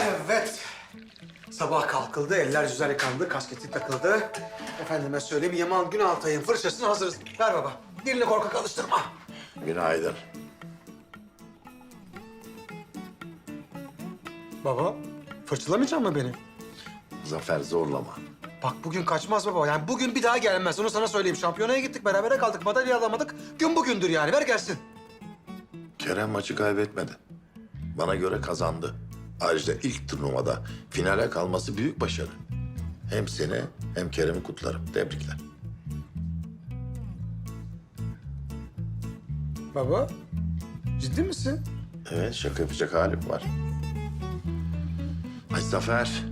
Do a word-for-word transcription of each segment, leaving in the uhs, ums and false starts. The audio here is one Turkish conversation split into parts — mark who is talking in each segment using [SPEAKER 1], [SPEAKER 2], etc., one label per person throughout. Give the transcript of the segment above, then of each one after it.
[SPEAKER 1] Evet. Sabah kalkıldı, eller yüzler yıkandı, kasketi takıldı. Efendime söyleyeyim, Yaman Günaltay'ın fırçasına hazırız. Ver baba, dilini korkak alıştırma.
[SPEAKER 2] Günaydın.
[SPEAKER 1] Baba, fırçalamayacak mı beni?
[SPEAKER 2] Zafer zorlama.
[SPEAKER 1] Bak bugün kaçmaz baba, yani bugün bir daha gelmez. Onu sana söyleyeyim. Şampiyonaya gittik, berabere kaldık, madalya alamadık. Gün bugündür yani, ver gelsin.
[SPEAKER 2] Kerem maçı kaybetmedi. Bana göre kazandı. Ayrıca ilk turnuvada finale kalması büyük başarı. Hem seni hem Kerem'i kutlarım. Tebrikler.
[SPEAKER 1] Baba, ciddi misin?
[SPEAKER 2] Evet, şaka yapacak halim var. Ay Zafer.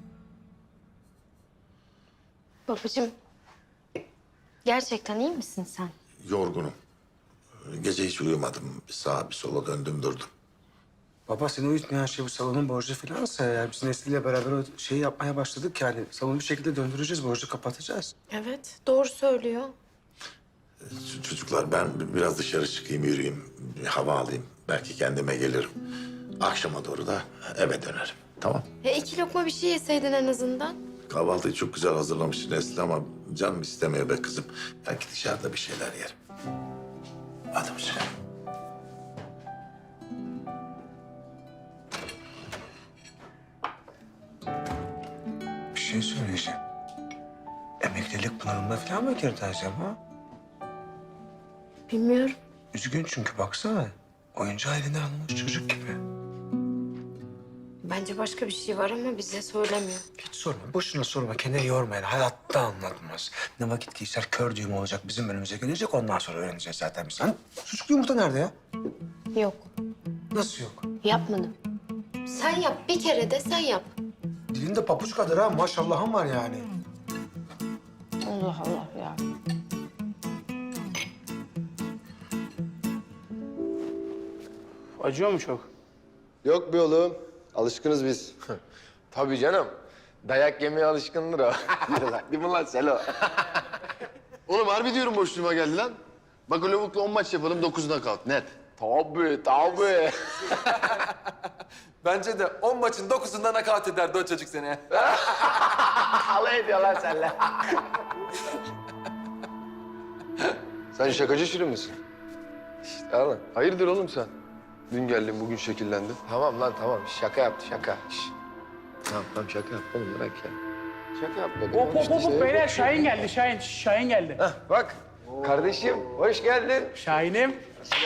[SPEAKER 3] Babacığım, gerçekten iyi misin sen?
[SPEAKER 2] Yorgunum. Gece hiç uyumadım. Bir sağa bir sola döndüm durdum.
[SPEAKER 1] Baba seni uyutmayan şey bu salonun borcu falansa ya. Biz Nesli ile beraber o şeyi yapmaya başladık yani. Salonu bir şekilde döndüreceğiz, borcu kapatacağız.
[SPEAKER 3] Evet, doğru söylüyor.
[SPEAKER 2] Ç- Çocuklar ben biraz dışarı çıkayım, yürüyeyim. Bir hava alayım. Belki kendime gelirim. Akşama doğru da eve dönerim. Tamam.
[SPEAKER 3] Ya iki lokma bir şey yeseydin en azından.
[SPEAKER 2] Kahvaltıyı çok güzel hazırlamış Nesli ama canım istemiyor be kızım. Belki dışarıda bir şeyler yerim. Hadi hoşça kal.
[SPEAKER 1] Bir şey söyleyeceğim. Emeklilik planında falan mı girdi acaba?
[SPEAKER 3] Bilmiyorum.
[SPEAKER 1] Üzgün çünkü baksana. Oyuncağı eline almış çocuk gibi.
[SPEAKER 3] Bence başka bir şey var ama bize söylemiyor.
[SPEAKER 1] Hiç sorma, boşuna sorma. Kendini yorma yani. Hayatta anlatmaz. Ne vakit geçer kör düğüm olacak, bizim önümüze gelecek. Ondan sonra öğreneceğiz zaten biz. Hani sucuklu yumurta nerede ya?
[SPEAKER 3] Yok,
[SPEAKER 1] Nasıl yok?
[SPEAKER 3] yapmadım. Sen yap, bir kere de sen yap.
[SPEAKER 1] Dilinde papuç kadar ha, maşallahım var yani.
[SPEAKER 3] Allah Allah ya.
[SPEAKER 4] Acıyor mu çok?
[SPEAKER 5] Yok be oğlum. Alışkınız biz.
[SPEAKER 6] Tabii canım. Dayak yemeye alışkındır o.
[SPEAKER 5] Yürü lan. Değil mi lan Selo? Oğlum harbi diyorum boşluğuma geldi lan. Bak o lavukla on maç yapalım dokuzuna kalk. Net.
[SPEAKER 6] Tabii, tabii.
[SPEAKER 7] Bence de on maçın dokuzunda nakavt ederdi o çocuk seni.
[SPEAKER 6] Alay ediyor lan seninle.
[SPEAKER 5] Sen şakacı şirin misin?
[SPEAKER 6] İşte oğlum.
[SPEAKER 5] Hayırdır oğlum sen? Dün geldin bugün şekillendin.
[SPEAKER 6] Tamam lan tamam. Şaka yaptı şaka. Şş. Tamam tamam şaka yaptı oğlum bırak ya. Şaka yaptı dedim.
[SPEAKER 4] Hop hop
[SPEAKER 6] İşte
[SPEAKER 4] hop hop
[SPEAKER 6] şey-
[SPEAKER 4] beyler Şahin geldi Şahin. Şahin geldi.
[SPEAKER 6] Hah, bak kardeşim hoş geldin.
[SPEAKER 4] Şahin'im.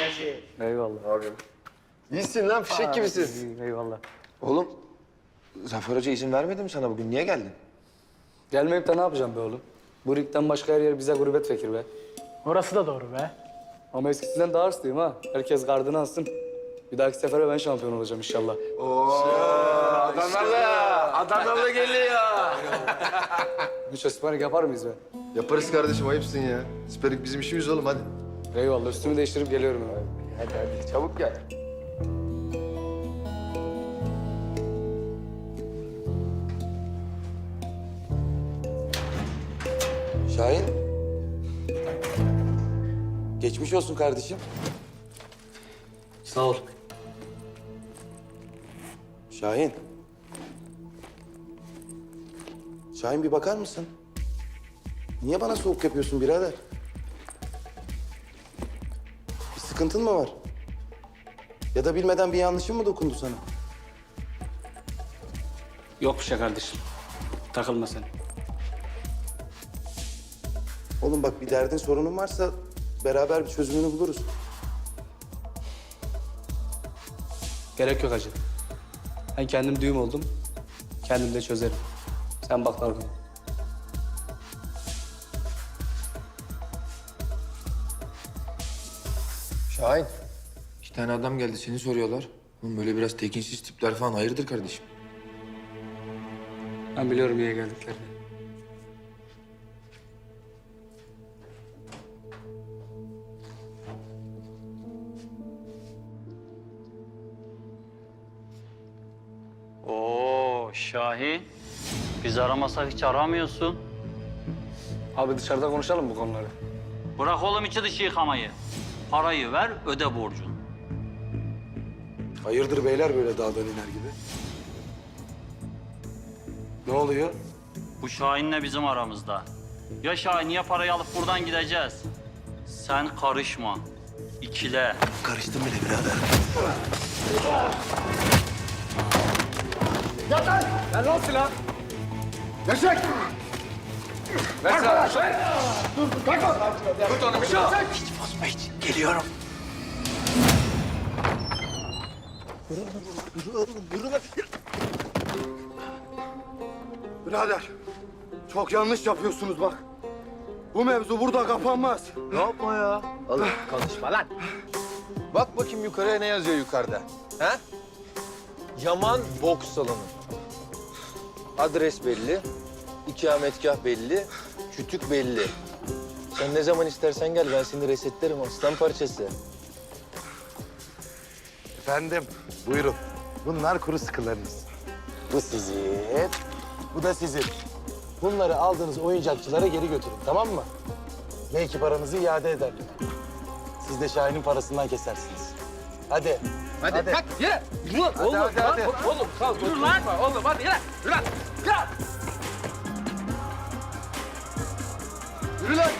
[SPEAKER 6] İyisin lan fişek gibisin.
[SPEAKER 4] Eyvallah.
[SPEAKER 6] Oğlum Zafer Hoca izin vermedi mi sana bugün? Niye geldin?
[SPEAKER 8] Gelmeyip de ne yapacağım be oğlum? Bu ligden başka her yer bize gurbet fikir be.
[SPEAKER 4] Orası da doğru be.
[SPEAKER 8] Ama eskisinden daha hırslıyım ha. Herkes gardını alsın. Bir dahaki sefere ben şampiyon olacağım inşallah.
[SPEAKER 6] Adanalı. Adanalı geliyor.
[SPEAKER 8] Üç espanik yapar mıyız be?
[SPEAKER 5] Yaparız kardeşim ayıpsın ya. Siperik bizim işimiz oğlum hadi.
[SPEAKER 8] Eyvallah üstümü değiştirip geliyorum hemen.
[SPEAKER 6] Hadi hadi çabuk gel.
[SPEAKER 7] Şahin. Geçmiş olsun kardeşim.
[SPEAKER 8] Sağ ol.
[SPEAKER 7] Şahin. Şahin bir bakar mısın? Niye bana soğuk yapıyorsun birader? Bir sıkıntın mı var? Ya da bilmeden bir yanlışım mı dokundu sana?
[SPEAKER 8] Yok bir şey kardeşim. Takılma sen.
[SPEAKER 7] Oğlum bak bir derdin sorunun varsa beraber bir çözümünü buluruz.
[SPEAKER 8] Gerek yok hacı. Ben kendim düğüm oldum. Kendim de çözerim. Sen bak dalgın.
[SPEAKER 6] Şahin. İki tane adam geldi seni soruyorlar. Oğlum böyle biraz tekinsiz tipler falan hayırdır kardeşim?
[SPEAKER 8] Ben biliyorum niye geldiklerini.
[SPEAKER 9] Oo Şahin. Biz aramasak hiç aramıyorsun.
[SPEAKER 8] Abi dışarıda konuşalım bu konuları.
[SPEAKER 9] Bırak oğlum içi dışı yıkamayı. Parayı ver, öde borcunu.
[SPEAKER 7] Hayırdır beyler böyle dağdan iner gibi? Ne oluyor?
[SPEAKER 9] Bu Şahin'le bizim aramızda. Ya Şahin ya parayı alıp buradan gideceğiz. Sen karışma. İkile.
[SPEAKER 1] Karıştım bile birader. Geliyorum.
[SPEAKER 7] Birader, çok yanlış yapıyorsunuz bak. Bu mevzu burada kapanmaz.
[SPEAKER 10] Ne yapma ya? Oğlum konuşma lan. Bak bakayım yukarıya ne yazıyor yukarıda. Ha? Yaman boks salonu. Adres belli, ikametgah belli, kütük belli. Sen ne zaman istersen gel, ben seni resetlerim aslan parçası.
[SPEAKER 7] Efendim, buyurun. Bunlar kuru sıkılarınız. Bu sizin, bu da sizin. Bunları aldığınız oyuncakçılara geri götürün, tamam mı? Belki paranızı iade ederler. Siz de Şahin'in parasından kesersiniz. Hadi.
[SPEAKER 6] Hadi,
[SPEAKER 7] Hadi.
[SPEAKER 6] kalk yürü. Yürü lan.
[SPEAKER 7] Hadi,
[SPEAKER 6] Oğlum,
[SPEAKER 7] hadi,
[SPEAKER 6] lan,
[SPEAKER 7] hadi.
[SPEAKER 6] oğlum kalk. Yürü lan. Oğlum hadi yürü. Yürü lan. Yürü.
[SPEAKER 7] Yürü lan!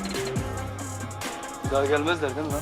[SPEAKER 8] Bir daha gelmezler değil mi lan?